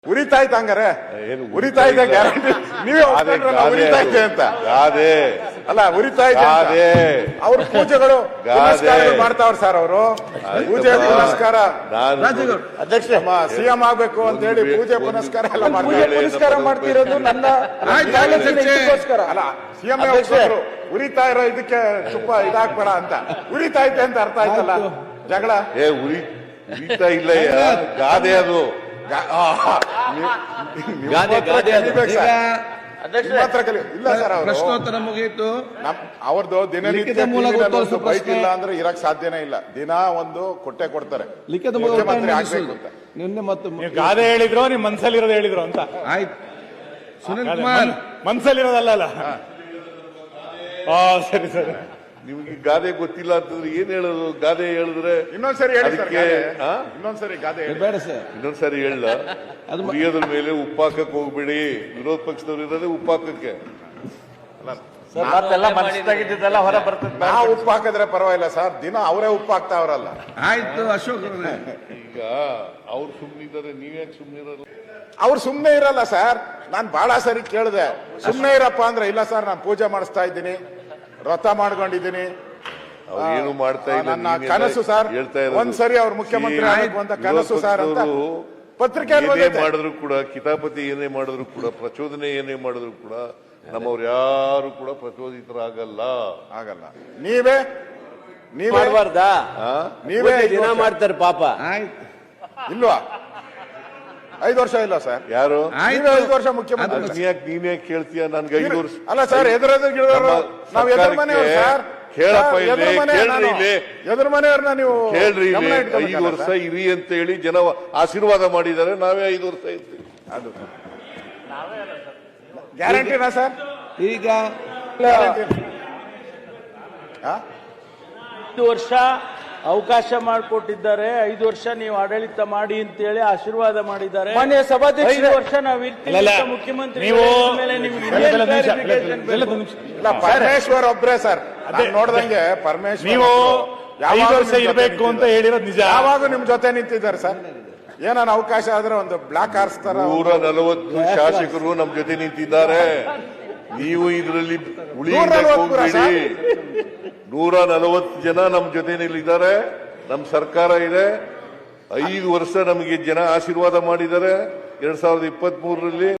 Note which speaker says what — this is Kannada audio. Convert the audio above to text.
Speaker 1: ಉರಿತಾ ಇತ್ತು ಹಂಗಾರೆ
Speaker 2: ಏನು
Speaker 1: ಉರಿತಾ ಇದೆ ಗ್ಯಾರಂಟಿ ನೀವೇ ಉರಿತಾ ಇದೆ ಅಂತ
Speaker 2: ಗಾದೆ
Speaker 1: ಅಲ್ಲ ಉರಿತಾ ಇದೆ
Speaker 2: ಗಾದೆ
Speaker 1: ಅವ್ರ ಪೂಜೆಗಳು ಪುನಸ್ಕಾರಗಳು ಮಾಡ್ತಾವ್ರ ಸರ್ ಅವರು ಪೂಜೆ ಪುನಸ್ಕಾರ
Speaker 3: ಅಧ್ಯಕ್ಷ
Speaker 1: ಸಿಎಂ ಆಗ್ಬೇಕು ಅಂತ ಹೇಳಿ ಪೂಜೆ ಪುನಸ್ಕಾರ ಎಲ್ಲ ಮಾಡ್ತಾರೆ
Speaker 3: ಪುನಸ್ಕಾರ ಮಾಡ್ತಿರೋದು ನನ್ನ
Speaker 1: ಅಲ್ಲ ಸಿಎಂ ಉರಿತಾ ಇರೋ ಇದಕ್ಕೆ ತುಪ್ಪ ಇದಾಕ್ಬೇಡ ಅಂತ ಉರಿತಾ ಐತೆ ಅಂತ ಅರ್ಥ ಆಯ್ತಲ್ಲ ಜಗಳ
Speaker 2: ಉರಿತಾ ಇಲ್ಲ ಗಾದೆ ಅದು
Speaker 1: ಇಲ್ಲ ಸರ್
Speaker 4: ಪ್ರಶ್ನೋತ್ತರ ಮುಗಿಯಿತು.
Speaker 1: ಅವ್ರದ್ದು ದಿನನಿತ್ಯ ಬೈಕ್ ಇಲ್ಲ ಅಂದ್ರೆ ಇರಕ್ ಸಾಧ್ಯನೇ ಇಲ್ಲ. ದಿನ ಒಂದು ಕೊಟ್ಟೆ ಕೊಡ್ತಾರೆ
Speaker 4: ಲಿಖಿತ
Speaker 1: ಮುಖ್ಯಮಂತ್ರಿ ಆಗ್ಬೇಕು ಅಂತ.
Speaker 4: ನಿನ್ನೆ ಮತ್ತು
Speaker 5: ಗಾದೆ ಹೇಳಿದ್ರು ನಿಮ್ ಮನ್ಸಲ್ಲಿರೋದು ಹೇಳಿದ್ರು ಅಂತ
Speaker 4: ಆಯ್ತು. ಸುನಿಲ್ ಕುಮಾರ್
Speaker 5: ಮನ್ಸಲ್ಲಿರೋದಲ್ಲ ಸರಿ ಸರಿ.
Speaker 2: ನಿಮ್ಗೆ ಗಾದೆ ಗೊತ್ತಿಲ್ಲ ಅಂತಂದ್ರೆ ಏನ್ ಹೇಳೋದು? ಗಾದೆ ಹೇಳಿದ್ರೆ
Speaker 1: ಇನ್ನೊಂದ್ಸರಿ ಹೇಳಿ ಸರ್,
Speaker 2: ಅದಕ್ಕೆ
Speaker 1: ಇನ್ನೊಂದ್ಸರಿ ಗಾದೆ ಹೇಳಿ.
Speaker 4: ಬೇಡ ಸರ್,
Speaker 2: ಇನ್ನೊಂದ್ಸರಿ ಹೇಳ ಉರಿಯೋದ್ರ ಮೇಲೆ ಉಪ್ಪಾಕಕ್ಕೆ ಹೋಗ್ಬೇಡಿ. ವಿರೋಧ ಪಕ್ಷದವ್ರು ಇರೋದೇ ಉಪ್ಪಾಕಕ್ಕೆ.
Speaker 3: ಮತ್ತೆಲ್ಲ ಮನಸ್ಸಾಗಿದ್ದೆಲ್ಲ ಹೊರ ಬರ್ತದೆ.
Speaker 1: ನಾವು ಉಪ್ಪು ಹಾಕಿದ್ರೆ ಪರವಾಗಿಲ್ಲ ಸರ್, ದಿನ ಅವರೇ ಉಪ್ಪು ಹಾಕ್ತಾವ್ರಲ್ಲ.
Speaker 4: ಆಯ್ತು ಅಶೋಕ್ ಅವ್ರೆ.
Speaker 2: ಈಗ ಅವ್ರು ಸುಮ್ನಿದ್ದಾರೆ, ನೀವ್ಯಾಕೆ ಸುಮ್ನಿರಲ್ಲ?
Speaker 1: ಅವ್ರು ಸುಮ್ನೆ ಇರಲ್ಲ ಸರ್. ನಾನ್ ಬಹಳ ಸರಿ ಕೇಳಿದೆ, ಸುಮ್ನೆ ಇರಪ್ಪ ಅಂದ್ರೆ ಇಲ್ಲ ಸರ್ ನಾನು ಪೂಜೆ ಮಾಡಿಸ್ತಾ ಇದ್ದೀನಿ, ವ್ರತ ಮಾಡ್ಕೊಂಡಿದ್ದೀನಿ,
Speaker 2: ಏನು ಮಾಡ್ತಾ ಇಲ್ಲ.
Speaker 1: ನನ್ನ ಕನಸು ಸರ್, ಒಂದ್ಸರಿ ಅವ್ರು ಮುಖ್ಯಮಂತ್ರಿ ಆಗಬೇಕು ಅಂತ ಕನಸು ಸರ್ ಅಂತ ಪತ್ರಿಕೆ
Speaker 2: ಮಾಡಿದ್ರು ಕೂಡ, ಕಿತಾಪತಿ ಏನೇ ಮಾಡಿದ್ರು ಕೂಡ, ಪ್ರಚೋದನೆ ಏನೇ ಮಾಡಿದ್ರು ಕೂಡ ನಮ್ಮವ್ರು ಯಾರು ಕೂಡ ಪ್ರಚೋದಿತರಾಗಲ್ಲ.
Speaker 1: ಆಗಲ್ಲ. ನೀವೇ
Speaker 3: ಮಾಡಬಾರ್ದಾ?
Speaker 1: ನೀವೇ
Speaker 3: ದಿನ ಮಾಡ್ತಾರೆ ಪಾಪ.
Speaker 4: ಆಯ್ತು.
Speaker 1: ಇಲ್ವಾ? 5 ವರ್ಷ ಇಲ್ಲ ಸರ್.
Speaker 2: ಯಾರು?
Speaker 1: ನೀವೇ 5 ವರ್ಷ ಮುಖ್ಯಮಂತ್ರಿ.
Speaker 2: ನೀನ್ ಯಾಕೆ ಕೇಳ್ತೀಯ? ನನ್ಗೆ 5 ವರ್ಷ
Speaker 1: ಅಲ್ಲ ಸರ್, ನಾವು ಎದುರು ಮನೆಯವರು ಸರ್.
Speaker 2: ಕೇಳಪ್ಪ,
Speaker 1: ಎದುರು ಮನೆಯವ್ರನ್ನ ನೀವು
Speaker 2: ಕೇಳ್ರಿ. 5 ವರ್ಷ ಇರಿ ಅಂತ ಹೇಳಿ ಜನ ಆಶೀರ್ವಾದ ಮಾಡಿದ್ದಾರೆ. ನಾವೇ 5 ವರ್ಷ ಇರ್ತೀವಿ.
Speaker 1: ಅದು ಗ್ಯಾರಂಟಿನಾ ಸರ್?
Speaker 4: ಈಗ
Speaker 6: 5 ವರ್ಷ ಅವಕಾಶ ಮಾಡಿಕೊಟ್ಟಿದ್ದಾರೆ. 5 ವರ್ಷ ನೀವು ಆಡಳಿತ ಮಾಡಿ ಅಂತೇಳಿ ಆಶೀರ್ವಾದ ಮಾಡಿದ್ದಾರೆ.
Speaker 3: ಮಾನ್ಯ ಸಭಾಧ್ಯಕ್ಷ,
Speaker 6: 5 ವರ್ಷ ನಾವು ಇರ್ತೀವಿ ಮುಖ್ಯಮಂತ್ರಿ ಮೇಲೆ
Speaker 1: ಇಲ್ಲ, ಪರಮೇಶ್ವರ್ ಒಬ್ರೇ ಸರ್. ನೋಡ್ದಂಗೆ ಪರಮೇಶ್ವರ್
Speaker 5: ನೀವು 5 ವರ್ಷ ಇರಬೇಕು ಅಂತ ಹೇಳಿರೋದು ನಿಜ.
Speaker 1: ಯಾವಾಗ ನಿಮ್ ಜೊತೆ ನಿಂತಿದ್ದಾರೆ ಸರ್. ಏನಾನ ಅವಕಾಶ ಆದ್ರೆ ಒಂದು ಬ್ಲಾಕ್ ಹಾರಿಸ್ತಾರ.
Speaker 2: 140 ಶಾಸಕರು ನಮ್ ಜೊತೆ ನಿಂತಿದ್ದಾರೆ. ನೀವು ಇದರಲ್ಲಿ ಉಳಿ 140 ಜನ ನಮ್ ಜೊತೆನಲ್ಲಿದ್ದಾರೆ. ನಮ್ ಸರ್ಕಾರ ಇದೆ. 5 ವರ್ಷ ನಮಗೆ ಜನ ಆಶೀರ್ವಾದ ಮಾಡಿದ್ದಾರೆ. 2023ರಲ್ಲಿ